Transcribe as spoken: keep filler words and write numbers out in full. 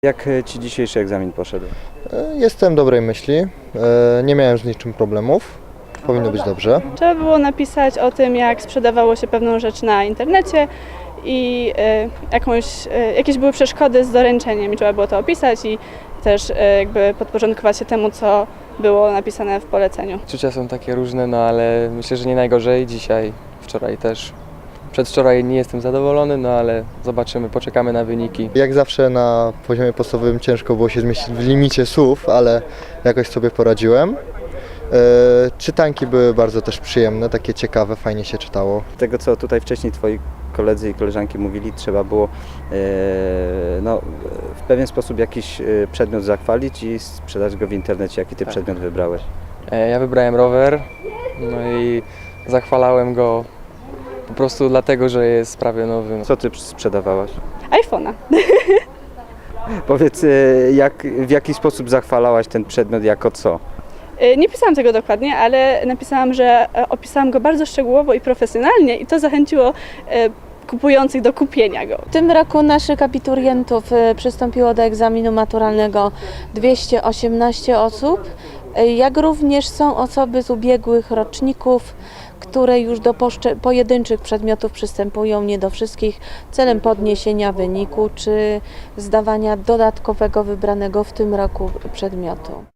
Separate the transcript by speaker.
Speaker 1: Jak Ci dzisiejszy egzamin poszedł?
Speaker 2: Jestem dobrej myśli, nie miałem z niczym problemów, powinno być dobrze.
Speaker 3: Trzeba było napisać o tym, jak sprzedawało się pewną rzecz na internecie i jakąś, jakieś były przeszkody z doręczeniem i trzeba było to opisać i też jakby podporządkować się temu, co było napisane w poleceniu.
Speaker 4: Czucia są takie różne, no ale myślę, że nie najgorzej. Dzisiaj, wczoraj też. Przedwczoraj nie jestem zadowolony, no ale zobaczymy, poczekamy na wyniki.
Speaker 2: Jak zawsze na poziomie podstawowym ciężko było się zmieścić w limicie słów, ale jakoś sobie poradziłem. Czytanki były bardzo też przyjemne, takie ciekawe, fajnie się czytało.
Speaker 1: Tego, co tutaj wcześniej Twoi koledzy i koleżanki mówili, trzeba było e, no, w pewien sposób jakiś przedmiot zachwalić i sprzedać go w internecie. Jaki Ty
Speaker 4: Tak.
Speaker 1: przedmiot wybrałeś?
Speaker 4: Ja wybrałem rower, no i zachwalałem go po prostu dlatego, że jest prawie nowy.
Speaker 1: Co Ty sprzedawałaś?
Speaker 3: iPhone'a.
Speaker 1: Powiedz, jak, w jaki sposób zachwalałaś ten przedmiot, jako co?
Speaker 3: Nie pisałam tego dokładnie, ale napisałam, że opisałam go bardzo szczegółowo i profesjonalnie i to zachęciło kupujących do kupienia go.
Speaker 5: W tym roku naszych abiturientów przystąpiło do egzaminu maturalnego dwieście osiemnaście osób, jak również są osoby z ubiegłych roczników, które już do pojedynczych przedmiotów przystępują, nie do wszystkich, celem podniesienia wyniku czy zdawania dodatkowego wybranego w tym roku przedmiotu.